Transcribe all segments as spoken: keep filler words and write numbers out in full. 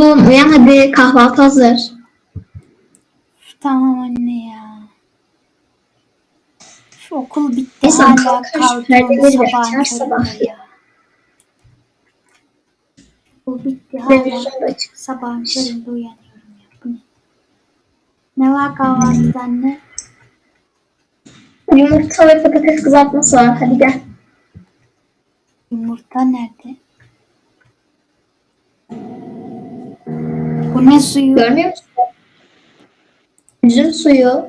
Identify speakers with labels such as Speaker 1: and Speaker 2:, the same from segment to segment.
Speaker 1: Oğlum uyan hadi, kahvaltı hazır.
Speaker 2: Tamam anne ya. Şu okul bitti
Speaker 1: İnsan
Speaker 2: hala
Speaker 1: kalkar şu
Speaker 2: kalkıyorum
Speaker 1: perdeleri bir
Speaker 2: sabahın
Speaker 1: açar sabah.
Speaker 2: köründe ya. Okul bitti hala
Speaker 1: Televizyon da açık.
Speaker 2: sabahın köründe uyanıyorum ya. Bu ne? Ne var kahvaltıda anne?
Speaker 1: Yumurta ve patates kızartması var. Hadi gel.
Speaker 2: Yumurta nerede? Bu ne suyu?
Speaker 1: Görmüyor musun? Üzüm suyu.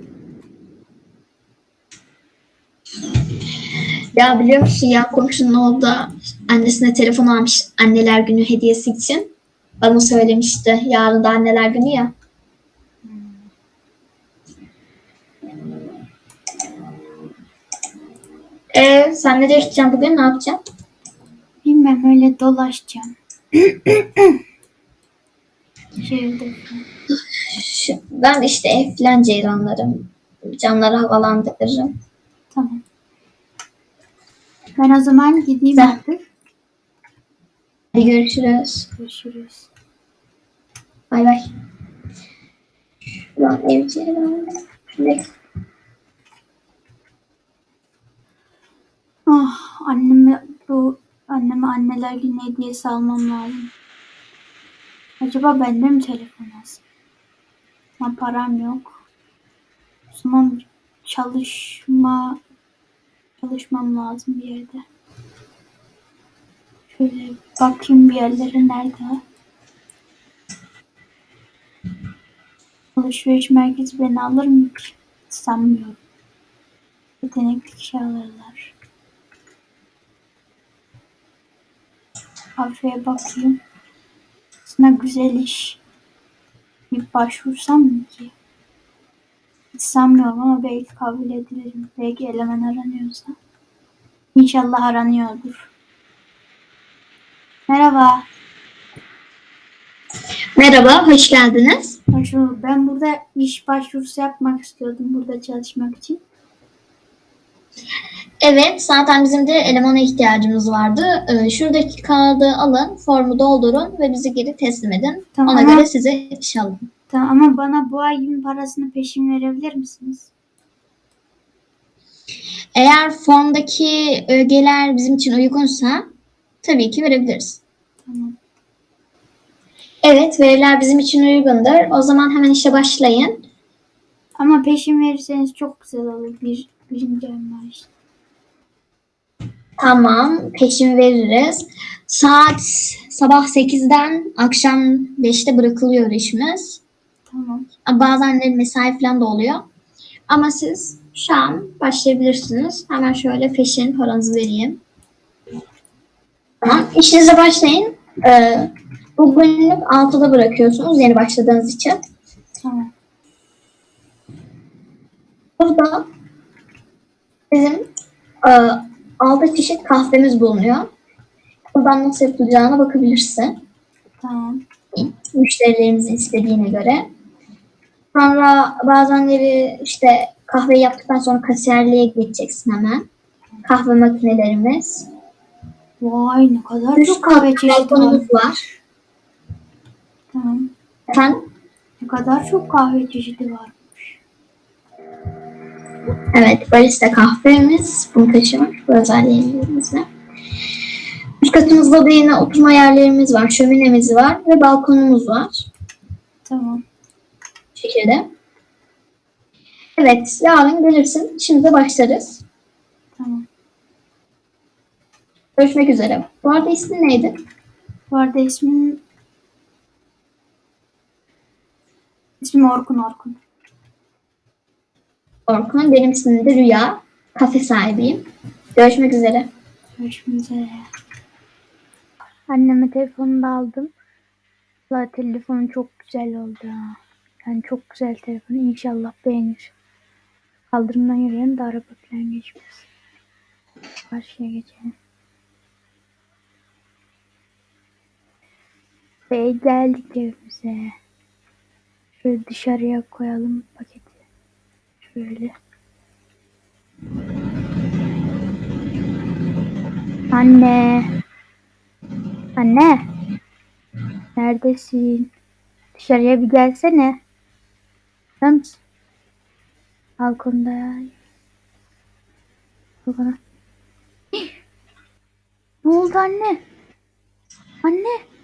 Speaker 1: Ya biliyor musun ya, komşunun oğlu da annesine telefon almış anneler günü hediyesi için. Bana söylemişti. Yarın da anneler günü ya. Ee, sen nereye gideceksin bugün? Ne yapacaksın?
Speaker 2: Bilmem öyle dolaşacağım. Şehirde falan.
Speaker 1: Şu- Ben işte ev falan ceyranlarım. Camları havalandırırım.
Speaker 2: Tamam. Ben o zaman gideyim
Speaker 1: Sen-
Speaker 2: artık.
Speaker 1: Hadi görüşürüz.
Speaker 2: Görüşürüz.
Speaker 1: Bay bay. Ulan ev ceyranı. Ne?
Speaker 2: Ah, anneme bu anneme anneler günü hediyesi almam lazım. Acaba bende mi telefon az? Ama param yok. O zaman çalışma çalışmam lazım bir yerde. Şöyle bakayım bir yerlere nerede? Alışveriş merkezi beni alır mı ki? Sanmıyorum. Yetenekli kişi alırlar. Kafeye bakayım. Aslında güzel iş. Bir başvursam mı ki? Hiç sanmıyorum ama belki kabul edilirim. Belki eleman aranıyorsa. İnşallah aranıyordur. Merhaba.
Speaker 1: Merhaba, hoş geldiniz.
Speaker 2: Hoş bulduk. Ben burada iş başvurusu yapmak istiyordum. Burada çalışmak için.
Speaker 1: Evet, zaten bizim de elemana ihtiyacımız vardı. Ee, şuradaki kağıdı alın, formu doldurun ve bizi geri teslim edin.
Speaker 2: Tamam,
Speaker 1: Ona
Speaker 2: ama-
Speaker 1: göre size iş alın.
Speaker 2: Tamam ama bana bu ayın parasını peşin verebilir misiniz?
Speaker 1: Eğer formdaki ögeler bizim için uygunsa tabii ki verebiliriz.
Speaker 2: Tamam.
Speaker 1: Evet, veriler bizim için uygundur. O zaman hemen işe başlayın.
Speaker 2: Ama peşin verirseniz çok güzel olur. Bir, birinci ay maaşı.
Speaker 1: Tamam, peşin veririz. Saat sabah sekizden akşam beşte bırakılıyor işimiz.
Speaker 2: Tamam.
Speaker 1: Bazen de mesai falan da oluyor. Ama siz şu an başlayabilirsiniz. Hemen şöyle peşin paranızı vereyim. Tamam, işinize başlayın. Ee, bugünlük altıda bırakıyorsunuz yeni başladığınız için.
Speaker 2: Tamam.
Speaker 1: Burada bizim e, altı çeşit kahvemiz bulunuyor. Buradan nasıl yapılacağına bakabilirsin.
Speaker 2: Tamam.
Speaker 1: Müşterilerimizin istediğine göre. Sonra bazenleri işte kahve yaptıktan sonra kasiyerliğe geçeceksin hemen. Kahve makinelerimiz.
Speaker 2: Vay ne kadar
Speaker 1: Üç
Speaker 2: çok kahve çeşidi var.
Speaker 1: balkonumuz var.
Speaker 2: Tamam.
Speaker 1: Efendim?
Speaker 2: Ne kadar çok kahve çeşidi var.
Speaker 1: Evet, barista kahvemiz bunu taşıyor. Bu özelliğimizle. Üst katımızda da yine oturma yerlerimiz var, şöminemiz var ve balkonumuz var.
Speaker 2: Tamam.
Speaker 1: Bu şekilde. Evet, yarın gelirsin. Şimdi de başlarız.
Speaker 2: Tamam.
Speaker 1: Görüşmek üzere. Bu arada ismin neydi?
Speaker 2: Bu arada ismim ismim Orkun Orkun.
Speaker 1: Orkun. Benim ismim de Rüya. Kafe sahibiyim. Görüşmek üzere.
Speaker 2: Görüşmek üzere. Anneme telefonunu da aldım. Valla telefonu çok güzel oldu ha. Yani çok güzel telefon. İnşallah beğenir. Kaldırımdan yürüyelim de araba falan geçmez. Karşıya geçelim. Ve geldik evimize. Şöyle dışarıya koyalım paketi. Şöyle. Anne. Anne. Neredesin? Dışarıya bir gelsene. Sen balkonda ya. Balkona. Ne oldu anne? Anne.